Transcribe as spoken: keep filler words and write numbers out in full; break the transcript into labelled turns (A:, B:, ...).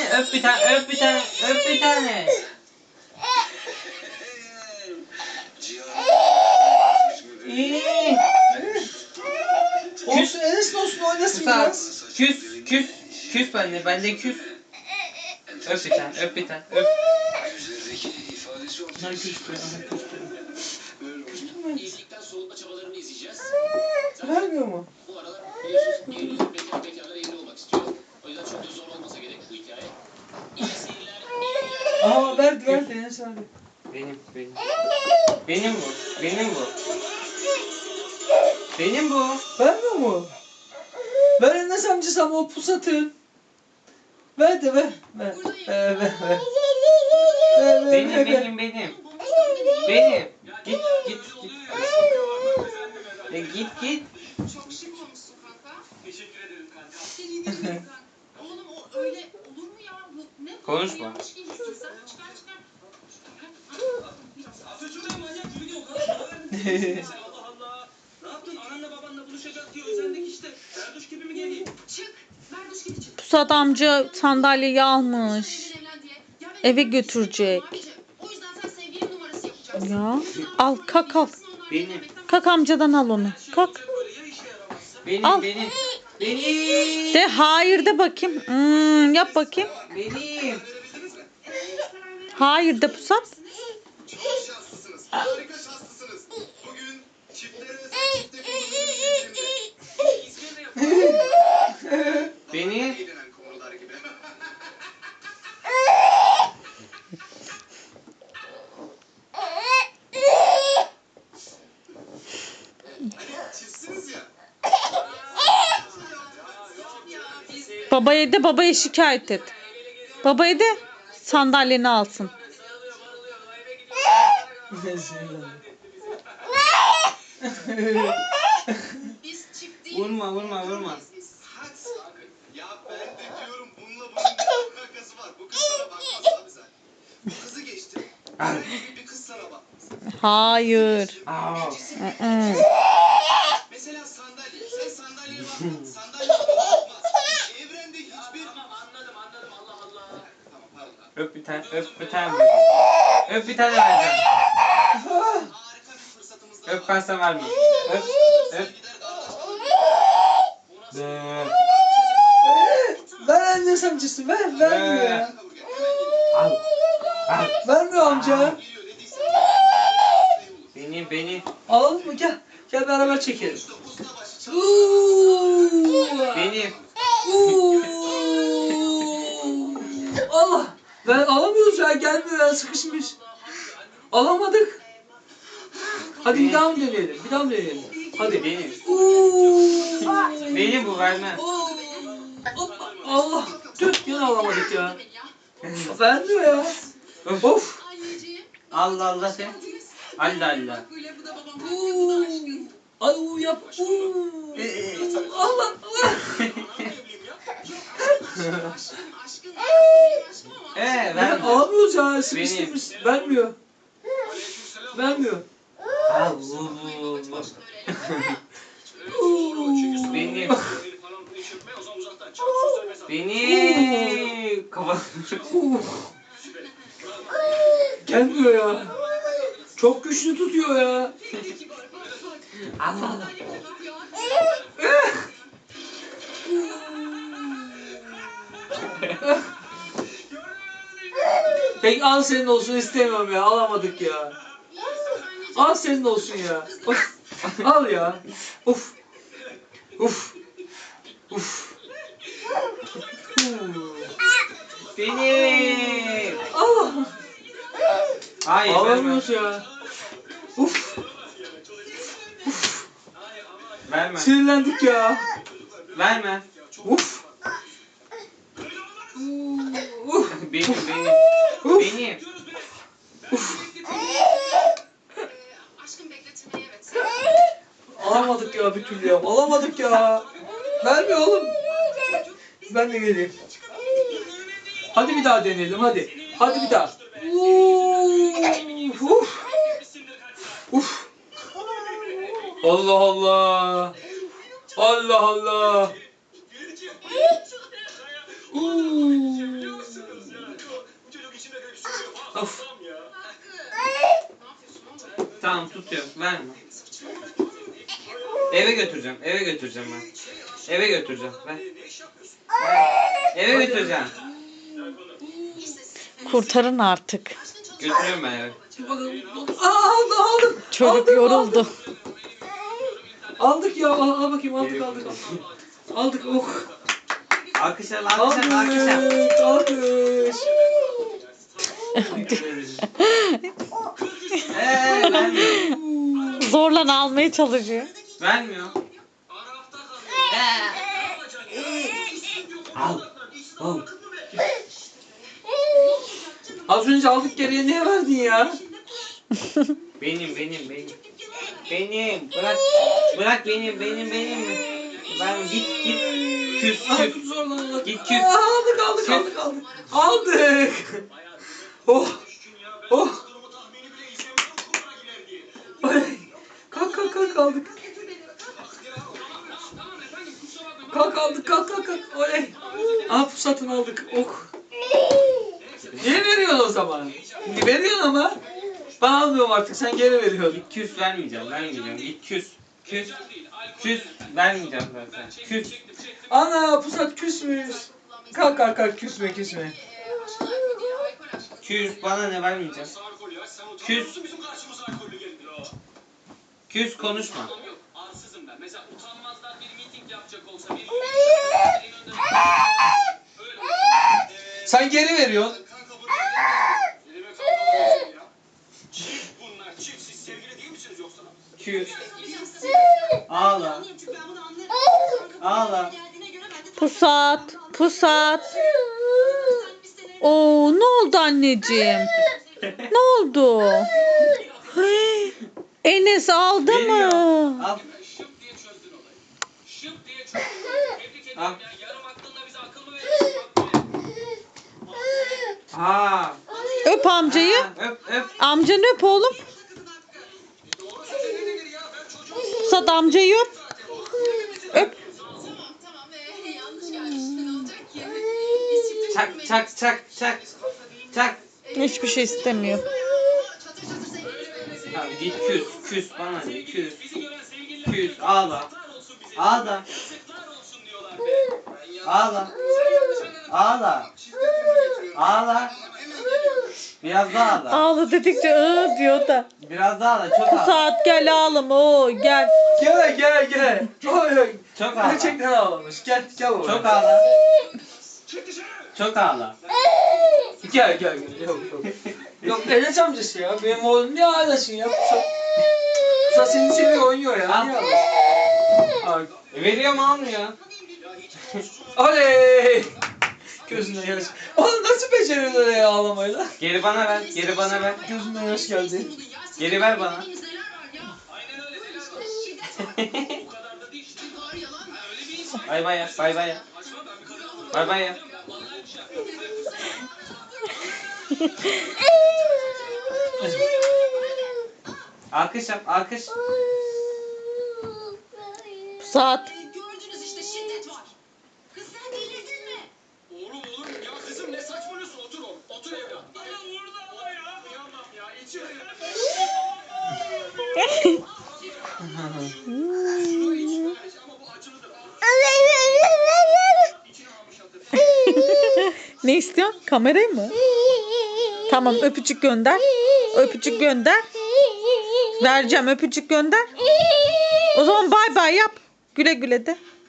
A: tane, öp bir tane, öp bir tane, öp bir tane. İyi.
B: Olsun Enes olsun oynasın
A: Musa,
B: biraz.
A: küs, küs, küs bende, bende küs. Öp bir tane, öp bir tane, öp.
B: Ay küstü, ay küstü.
C: Evlilikten soğutma çabalarını izleyeceğiz.
B: Vermiyor mu?
C: Bu aralar biliyorsunuz evlilik bekar bekarlar evli olmak istiyor. O yüzden çok da zor olmasa gerek bu hikaye. İyi seyirler, iyi eğlenceler.
B: Aa verdi verdi Enes abi.
A: Benim, benim. Benim bu, benim bu. Benim bu.
B: Vermiyor mu? Ver Enes amcası ama o pusatı. Ver de ver. Ver. Ver ver ver. Ver ver
A: Benim,
B: ver. ver.
A: benim, benim. Benim. Git, git, git. E, git, git.
D: Çok şık olmuşsun kanka.
C: Teşekkür ederim kanka.
D: Seni yedim kanka. Oğlum o öyle olur mu ya? Bu ne?
A: Konuşma.
D: Yanlış giymişsin sen. Çıkar çıkar.
C: Atatürk'e manyak gibi o kadar para verdin. Allah Allah. Ne yaptın? Ananla babanla buluşacak diye özendik işte. Erduş gibi mi geleyim?
D: Çık. Berduş gibi çık.
E: Pusat amca sandalyeyi almış.
D: Evlen evlen diye. Ya ben
E: Eve
D: evlenmek
E: götürecek.
D: istemiyorum abicim. O yüzden sen sevgili numarası yapacaksın.
E: Ya al kalk al.
A: Benim.
E: Kalk amcadan al onu. Kalk.
C: Böyle ya işe yaramazsa?
A: Benim,
E: Al.
A: benim. Benim.
E: De hayır de bakayım. Hmm, yap bakayım.
A: Benim.
E: Hayır de Pusat.
F: Çok şanslısınız. Harika şanslısınız. Bugün çiftlere özel çifte kullanımı indirimde.
C: İzmir'de yapalım.
A: Beni.
F: Eğlenen konular gibi. Çiftsiniz ya.
E: Babaya de babaya şikayet et. Babaya de sandalyeni alsın.
D: Biz çift değil.
A: Vurma, vurma, vurma.
F: Hadi sakın. Ya ben de diyorum bununla bunun ne alakası var? Bu kız sana bakmaz abi sen. Bu kızı geçti. Herhangi bir- bir kız sana bakmaz.
E: Hayır.
A: Aa.
E: Mm-mm.
F: Mesela sandalye. Sen sandalyeye bakma. Sandalye sana bakmaz. Evrende hiçbir...
C: Tamam anladım anladım Allah Allah.
F: Tamam pardon.
A: Öp bir tane, öp bir tane. Öp bir tane vereceğim.
F: Harika bir fırsatımız daha
A: Öp ben sana vermem. Öp, öp. Be.
B: Ver Enes amcası ver. Vermiyor ya.
A: Al. Al.
B: Vermiyor amca.
A: Beni, beni.
B: Alalım mı? Gel. Gel beraber çekelim. Uuu.
A: Benim.
B: Uuu. Allah. Ben alamıyoruz ya. Gelmiyor ya. Sıkışmış. Alamadık. Hadi bir daha mı deneyelim? Bir daha mı deneyelim? Hadi.
A: Benim.
B: Uuu.
A: Benim bu vermem.
B: Oo. Hoppa. Allah. Tüh yine alamadık ya. Vermiyor ya. Of.
D: Anneciğim.
A: Allah Allah sen. Allah Allah.
D: Böyle bu da babam. Bu da aşkın.
B: Ay uuu yap. Uuu. Allah Allah.
D: Aşkın aşkın. Aşkın benim aşkım ama.
A: Ee,
B: Ya,
A: vermem.
B: alamıyoruz ya. Sıkıştırmış. Vermiyor. Vermiyor.
A: Al bu bu bu.
B: Uuu.
A: Benim.
C: Falan bunu çökme o zaman uzaktan çak sosyal mesafe.
A: Beni. Kafa.
B: Uuu. Gelmiyor ya. Çok güçlü tutuyor ya.
A: Allah Allah.
B: Peki al senin olsun istemiyorum ya. Alamadık ya. Al senin olsun ya. Of. Al ya. Uf. Uf. Uf.
A: Benim.
B: Allah.
A: Hayır vermem.
B: Alamıyoruz ya. Uf.
A: Vermem.
B: Sinirlendik ya.
A: Vermem.
B: Uf. Uf.
A: Benim benim.
B: Uf.
A: Benim.
D: Aşkım bekletilmeye evet.
B: Alamadık ya bir türlü ya. Alamadık ya. Vermiyor oğlum. Ben de geleyim. Hadi bir daha deneyelim hadi. Hadi bir daha. Uf. Uf. Uf. Allah Allah. Allah Allah. Uuu.
A: Tamam tutuyorum. Verme. Eve götüreceğim. Eve götüreceğim ben. Eve götüreceğim. Ver. Eve götüreceğim.
E: Kurtarın artık.
A: Götürüyorum ben eve.
B: Aa, aldım aldım.
E: Çocuk
B: Aldım,
E: yoruldu.
B: aldım. Aldık ya. Al, al bakayım aldık aldık. Aldık, aldık oh.
A: Alkışlar, alkışlar, alkışlar.
B: Aldık. Alkış.
A: Eee vermiyor.
E: Zorla almaya çalışıyor.
A: Vermiyor. Al. Al.
B: Az önce aldık geriye niye verdin ya?
A: Benim, benim, benim. Benim. Bırak. Bırak benim, benim, benim. Ben git, git. Küs,
B: Aldık
A: küs.
B: zorla aldık.
A: Git küs.
B: Aa, aldık aldık aldık aldık. Aldık. Oh. Oh. Ay. Kalk kalk kalk aldık. Kalk aldık kalk kalk kalk. Oley. Aa pusatını aldık. Oh. Niye veriyorsun o zaman? Şimdi veriyorsun ama. Ben almıyorum artık sen geri veriyorsun.
A: Git küs vermeyeceğim, vermeyeceğim. Git küs. Küs. Küs. Vermeyeceğim zaten. Küs.
B: Ana pusat küsmüş. Kalk kalk kalk küsme küsme.
A: Küs. Bana ne vermeyeceğim. Küs. Küs konuşma.
C: Arsızım ben. Mesela utanmazlar bir miting yapacak olsa bir
B: Sen geri veriyorsun.
C: Çift bunlar. Çift. Siz sevgili değil misiniz yoksa?
A: Küs. Ağla. Ağla.
E: Pusat, pusat. Oo, ne oldu anneciğim? Ne oldu? Hey, Enes aldı
A: Geliyor.
E: mı?
A: Al.
C: Şıp diye çözdün olayı. Şıp diye çözdün. Tebrik ederim
A: Al.
C: ya. Yarım aklınla bize akıl mı veriyorsun? Bak buraya.
A: Ha.
E: Öp amcayı.
A: Ha, Öp, öp.
E: Amcanı öp oğlum.
C: Doğru söyle ne nedir ya? Ben çocuğum.
E: Pusat amcayı öp. Öp.
D: Tamam tamam. Ee, yanlış gelmiş. Ne olacak ki? Biz çifte
A: Çak,
D: çıkmayız.
A: çak, çak, çak. Çak.
E: Hiçbir şey istemiyor.
D: Çatır çatır sevgili.
A: Tamam git küs. Küs bana ne? Küs.
C: Bizi gören sevgililer.
A: Küs. Ağla.
C: Yazıklar olsun bize.
A: Ağla.
C: Yazıklar olsun diyorlar be. Ben yanlış-
A: Ağla.
C: Sen yanlış anladın.
A: Ağla. Ağla. Biraz daha ağla.
E: Ağla dedikçe ıı diyor da.
A: Biraz daha ağla. Çok ağla.
E: Pusat gel ağlama o gel.
B: Gel gel gel. Oy oy.
A: Çok ağla.
B: Gerçekten ağlamış. Gel gel baba.
A: Çok ağla.
C: Çık dışarı.
A: Çok ağla.
B: Gel gel gel. Yok yok. Yok Enes amcası ya. Benim oğlum niye ağlasın ya? Pusat. Pusat seni seviyor oynuyor ya.
A: Al.
B: Niye ağlasın? Ay.
A: E, Veriyor mu almıyor?
B: Oley. Gözünden yaş. Oğlum nasıl beceriyorsun öyle ya ağlamayı lan?
A: Geri bana ver. Geri bana ver.
B: Gözünden yaş geldi.
A: Geri ver bana.
C: Aynen öyle. Neler var? Bu kadar da değil. işte.
D: Var yalan.
C: Ha, öyle bir insan.
A: Bay bay ya. Bay bay ya.
C: Açma ben bir kadın alırım.
A: Bay bay ya.
C: Ya vallahi bir şey yapmıyorum.
A: Alkış yap. Alkış.
E: Pusat.
D: Ee, gördünüz işte şiddet var. Kız sen delirdin mi?
C: Oğlum oğlum ya kızım ne saçmalıyorsun otur oğlum otur evlat. Ya orada ama ya. Kıyamam ya içeri. Şunu iç ama bu acılıdır. İçine almış atır.
E: Ne istiyorsun? Kamerayı mı? Tamam öpücük gönder. Öpücük gönder. Vereceğim öpücük gönder. O zaman bay bay yap. Güle güle de.